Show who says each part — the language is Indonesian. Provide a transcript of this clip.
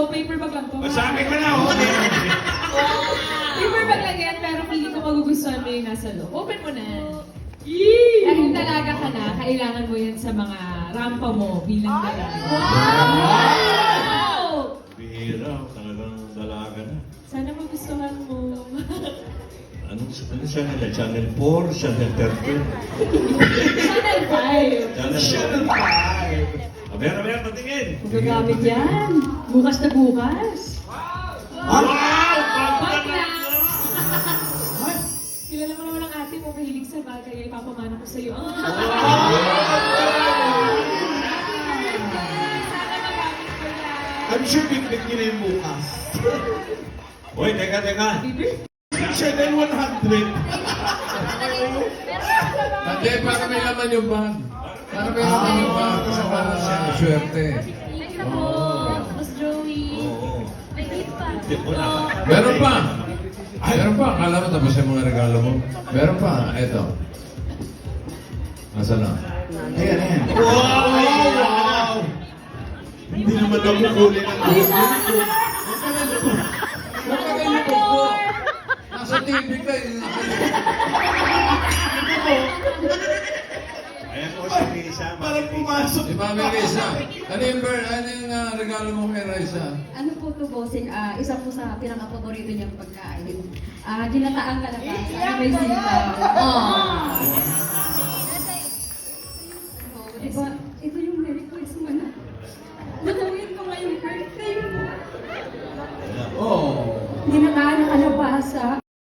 Speaker 1: paper bag lang to.
Speaker 2: Masabi ko na, oh.
Speaker 1: Paper bag lang yan, pero hindi ko magugustuhan mo yung nasa loob. Open mo na. Dahil dalaga ka na, kailangan mo yan sa mga rampa mo bilang dalaga. Wow!
Speaker 2: Bihira, talagang dalaga na.
Speaker 1: Sana magustuhan mo.
Speaker 2: Ano siya nila? Channel 4, Channel 13.
Speaker 1: Channel 5.
Speaker 2: Channel 5. Aber, patingin.
Speaker 3: Magagamit yan. Bukas na bukas.
Speaker 2: Wow!
Speaker 1: Bag na! Kilala mo naman ang ate mo, mahilig sa bagay, ay ipapamana ko sa'yo. Sana magamit ko yan.
Speaker 4: I'm sure big-big nyo na yung bukas.
Speaker 2: Uy, teka.
Speaker 4: Channel 100.
Speaker 5: Hindi, para may laman yung bag. Para may laman yung bag. Kasi para swerte.
Speaker 1: Thank you po, Boss Joey.
Speaker 2: Oo.
Speaker 1: May gift pa.
Speaker 2: Hindi po na.
Speaker 5: Meron pa. Meron pa. Akala mo tapos yung mga regalo mo. Meron pa. Ito. Nasaan na?
Speaker 4: Ayan. Wow! Hindi naman nakukulit ang
Speaker 5: Nasa TV ka.
Speaker 2: Ayan po si Risa.
Speaker 4: Parang pumasok.
Speaker 5: Si Mami Risa. Ano yung regalo mo kay Risa?
Speaker 3: Ano po to, bossing? Isa po sa pinaka-paborito niyang pagkain. Ginataang kalabasa. Ano may sitaw. Diba, ito yung Merry Christmas na. Natawin ko ngayong birthday mo.
Speaker 5: Oh.
Speaker 3: Ginataang na kalabasa.